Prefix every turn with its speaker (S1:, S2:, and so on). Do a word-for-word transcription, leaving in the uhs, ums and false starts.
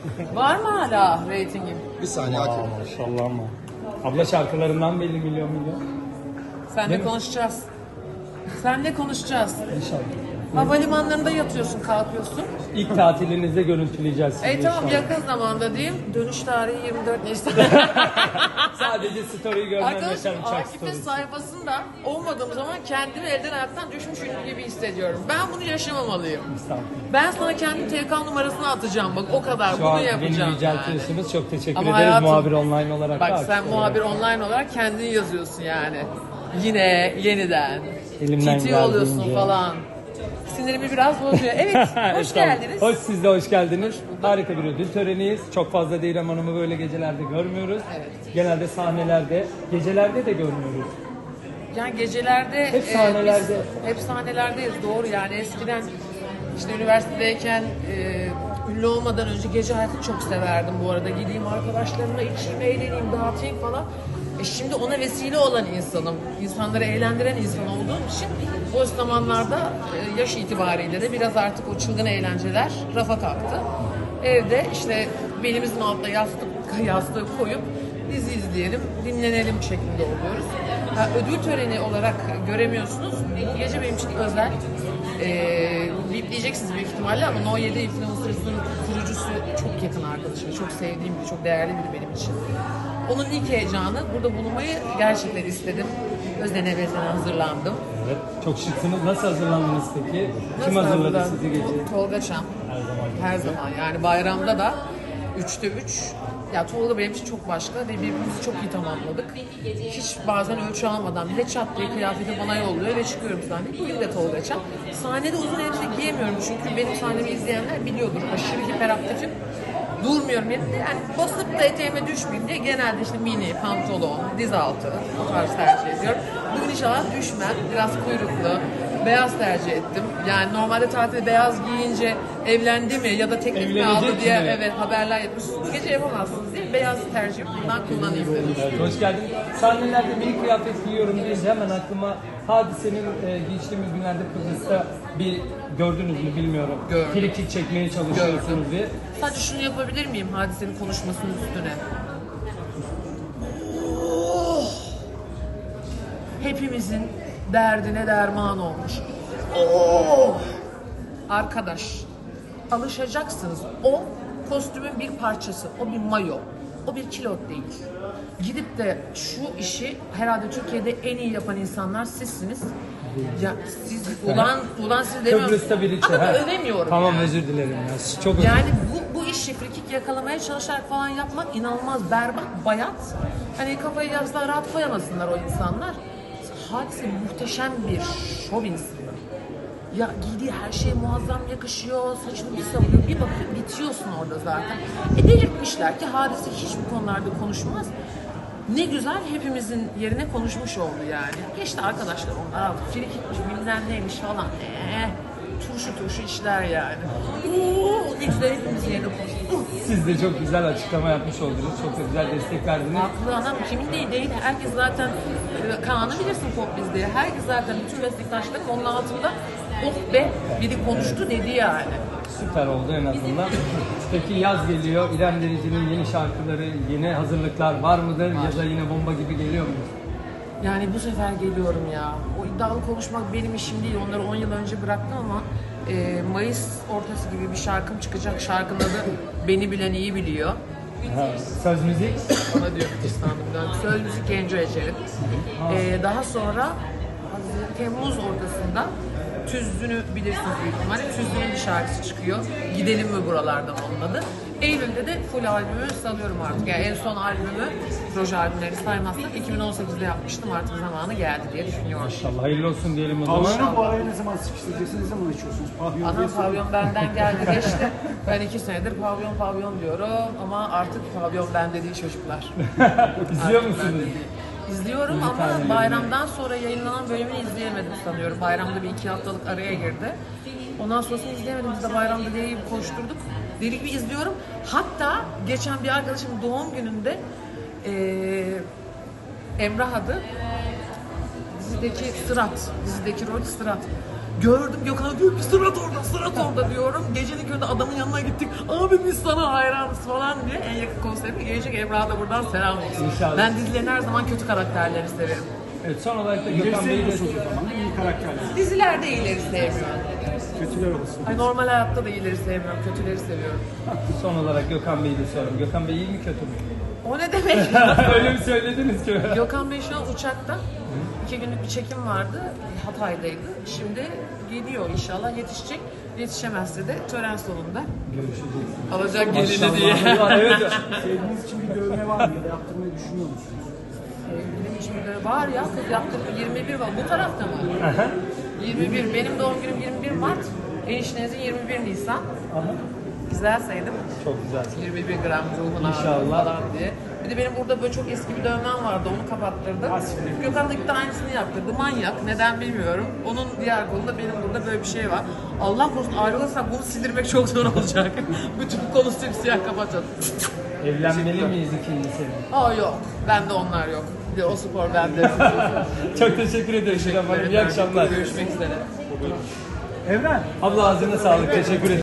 S1: Var mı hala reytingim?
S2: Bir saniye
S3: Aa,
S2: Akif.
S3: maşallah ama. Abla şarkılarından belli milyon milyon.
S1: Seninle
S3: Değil mi?
S1: konuşacağız. Seninle konuşacağız.
S3: İnşallah.
S1: Havalimanlarında yatıyorsun, kalkıyorsun.
S3: İlk tatilinizde görüntüleyeceğiz sizi
S1: E tamam,
S3: inşallah.
S1: yakın zamanda diyeyim. Dönüş tarihi yirmi dört Nisan.
S3: Sadece story'i görmen yeter,
S1: Arkadaşım
S3: uçak
S1: Akif'in
S3: story'si.
S1: sayfasında olmadığım zaman kendimi elden ayaktan düşmüş ünlü gibi hissediyorum. Ben bunu yaşamamalıyım.
S3: Estağfurullah.
S1: Ben sana kendi T K numarasını atacağım, bak o kadar.
S3: Şu
S1: bunu
S3: an beni
S1: yapacağım
S3: yüceltiyorsunuz.
S1: yani.
S3: Çok teşekkür
S1: Ama
S3: ederiz
S1: hayatım-
S3: muhabir online olarak.
S1: Bak
S3: da
S1: sen
S3: artık
S1: muhabir
S3: olarak.
S1: online olarak kendin yazıyorsun yani. Yine, yeniden.
S3: Elimden
S1: Titi oluyorsun
S3: geldiğince.
S1: falan. Sinirimi biraz bozuyor. Evet, hoş
S3: Estağfurullah.
S1: geldiniz.
S3: Hoş, siz de hoş geldiniz. Harika bir ödül töreniyiz. Çok fazla Didem Hanım'ı böyle gecelerde görmüyoruz.
S1: Evet.
S3: Genelde sahnelerde, gecelerde de görmüyoruz.
S1: Yani gecelerde...
S3: Hep sahnelerde.
S1: biz hep sahnelerdeyiz, doğru yani. Eskiden işte üniversitedeyken e, ünlü olmadan önce gece hayatını çok severdim bu arada. Gideyim arkadaşlarımla içeyim, eğleneyim, dağıtayım falan. E şimdi ona vesile olan insanım. İnsanları eğlendiren insan olduğum için o zamanlarda e, yaş itibariyle de biraz artık o çılgın eğlenceler rafa kalktı. Evde işte belimizin altına yastık, yastığı koyup dizi izleyelim, dinlenelim şeklinde oluyoruz. Ha, ödül töreni olarak göremiyorsunuz. Bu gece benim için özel. Ee, Bipleyeceksiniz büyük ihtimalle ama No yedi Influencers'ın kurucusu çok yakın arkadaşım. Çok sevdiğim biri, çok değerli biri benim için. Onun ilk heyecanı, burada bulunmayı gerçekten istedim. Özene bezene hazırlandım.
S3: Evet. Çok şıksınız. Nasıl hazırlandınız peki? Kim
S1: Nasıl
S3: hazırladı
S1: hazırlandım?
S3: sizi gece?
S1: Tolga Çam.
S3: Her zaman.
S1: Her zaman yani bayramda da üçte üç. Ya Tolga benim için çok başka ve birbirimizi çok iyi tamamladık. Hiç bazen ölçü almadan bile çat diye kıyafeti bana yolluyor ve çıkıyorum sahneye. Bugün de Tolga Çam. Sahnede uzun elbise giyemiyorum çünkü benim sahnemi izleyenler biliyordur. Aşırı hiperaktifim. Durmuyorum yerimde. Yani basıp da eteğime düşmeyeyim diye genelde işte mini, pantolon, diz altı o tarz tercih ediyorum. Bugün inşallah düşmem. Biraz kuyruklu, beyaz tercih ettim. Yani normalde tatilde beyaz giyince evlendi mi ya da teklif mi aldı
S3: Evlenecek
S1: diye
S3: mi?
S1: evet haberler yapmışsınız. Bu gece yapamazsınız diye beyaz tercih bundan kullanayım dedim.
S3: Evet, hoş geldin. Sahnelerde mini kıyafet giyiyorum deyince hemen aklıma Hadise'nin e, geçtiğimiz günlerde Kıbrıs'ta bir gördünüz mü bilmiyorum.
S1: Gördüm.
S3: Frikik çekmeye çalışıyorsunuz diye.
S1: Sadece şunu yapabilir miyim Hadise'nin konuşmasının üstüne? Hepimizin derdine derman olmuş. Oh! Arkadaş, alışacaksınız. O kostümün bir parçası, o bir mayo, o bir kilot değil. Gidip de şu işi herhalde Türkiye'de en iyi yapan insanlar sizsiniz. Ya siz ulan ulan siz demiyorum.
S3: Kıbrıs'ta bir içi.
S1: Ama
S3: ha.
S1: övemiyorum.
S3: Tamam
S1: yani.
S3: özür dilerim ya. Çok özür
S1: Yani bu, bu işi frikik yakalamaya çalışarak falan yapmak inanılmaz berbat, bayat. Hani kafayı yazdılar rahat koyamasınlar o insanlar. Hadise muhteşem bir şov insanı. Ya giydiği her şey muazzam yakışıyor, saçını bir savuruyor, bir bakıyor bitiyorsun orada zaten. E delirtmişler ki Hadise hiç bu konularda konuşmaz. Ne güzel hepimizin yerine konuşmuş oldu yani. Geçti arkadaşlar onlar artık frikikmiş, bilmem neymiş falan. Eee turşu turşu işler yani. Oo, ne güzel hepimizin yerine konuştu.
S3: Siz de çok güzel açıklama yapmış oldunuz. Çok da güzel destek verdiniz.
S1: Haklı anam kimin değil değil. Herkes zaten e, Kaan'ı bilirsin Pop Biz'de. Herkes zaten bütün meslektaşlarım onun altında oh be biri konuştu dedi yani.
S3: Süper oldu en azından. Peki yaz geliyor. İrem Derici'nin yeni şarkıları, yeni hazırlıklar var mıdır? Ya da yine bomba gibi geliyor mu?
S1: Yani bu sefer geliyorum ya. O iddialı konuşmak benim işim değil. Onları on yıl önce bıraktım ama e, Mayıs ortası gibi bir şarkım çıkacak. Şarkının adı Beni Bilen İyi Biliyor.
S3: Ha, söz müzik.
S1: Ona diyor İstanbul'dan. Söz müzik Genco Ece'nin. E, daha sonra Haziran- Temmuz ortasında Tüzdün'ü bilirsiniz büyük ihtimalle. Tüzdün'ün bir şarkısı çıkıyor. Gidelim mi buralardan onun adı. Eylül'de de full albümü salıyorum artık. Yani en son albümü, proje albümlerini saymazsak iki bin on sekizde yapmıştım. Artık zamanı geldi diye düşünüyorum.
S3: İnşallah hayırlı olsun diyelim o zaman.
S4: Pavyonu bu araya ne zaman sıkıştıracaksınız, ne zaman açıyorsunuz? Pavyon diye
S1: Ana
S4: soruyorum.
S1: pavyon benden geldi geçti. Ben iki senedir pavyon pavyon diyorum ama artık pavyon bende değil çocuklar.
S3: İzliyor
S1: Artık
S3: musunuz?
S1: bende değil. İzliyorum
S3: Müzik
S1: ama
S3: haline
S1: bayramdan sonra yayınlanan bölümünü izleyemedim sanıyorum. Bayramda bir iki haftalık araya girdi. Ondan sonrasını izleyemedim. Biz de bayramda diye gibi koşturduk. Deli gibi izliyorum. Hatta geçen bir arkadaşımın doğum gününde eee Emrah adı dizideki Sırat, dizideki rol Sırat. Gördüm Gökhan diyor ki sırat orada, sırat orada diyorum. Gecenin köründe adamın yanına gittik. Abi biz sana hayranız falan diye. En yakın konserime gelecek Emrah'a da buradan selam olsun.
S3: İnşallah.
S1: Ben dizilerin her zaman kötü karakterleri severim.
S3: Evet, son olarak da
S4: İyileri
S3: Gökhan Bey'i de
S4: sevmiyorsunuz o zaman. İyi karakterler.
S1: Dizilerde iyileri sevmiyorum.
S4: Kötüler olsun.
S1: Ay normal hayatta da iyileri sevmiyorum, kötüleri seviyorum.
S3: son olarak Gökhan Bey'i de soralım. Gökhan Bey iyi mi kötü mü?
S1: O ne demek?
S3: Öyle mi söylediniz ki?
S1: Gökhan Bey şu an uçakta. İki günlük bir çekim vardı. Hatay'daydı. Şimdi geliyor inşallah yetişecek. Yetişemezse de tören sonunda
S3: Görüşeceğiz.
S1: alacak gelini diye.
S3: Maşallah. Evet.
S4: Sevdiğiniz için bir dövme var mı ya da yaptırmayı düşünüyor musunuz?
S1: Sevgilim için bir var ya kız yaptırdı yirmi bir var. Bu tarafta mı?
S3: Aha.
S1: yirmi bir. Benim doğum günüm yirmi bir Mart. Eniştenizin yirmi bir Nisan.
S3: Aha.
S1: Güzel saydım.
S3: Çok güzel.
S1: yirmi bir gram ruhuna
S3: İnşallah.
S1: falan diye. Bir de benim burada böyle çok eski bir dövmem vardı. Onu kapattırdım. Gökhan da gitti aynısını yaptırdı. Manyak. Neden bilmiyorum. Onun diğer kolunda benim burada böyle bir şey var. Allah korusun ayrılırsak bunu sildirmek çok zor olacak. Bütün kolu simsiyah kapatacağız.
S3: Evlenmeli miyiz ikincisi?
S1: Aa yok. Bende onlar yok. Bir de o spor bende.
S3: Çok teşekkür ederim. Teşekkür İyi akşamlar.
S1: Görüşmek üzere.
S4: Evren.
S3: Abla ağzına sağlık. Teşekkür ederim.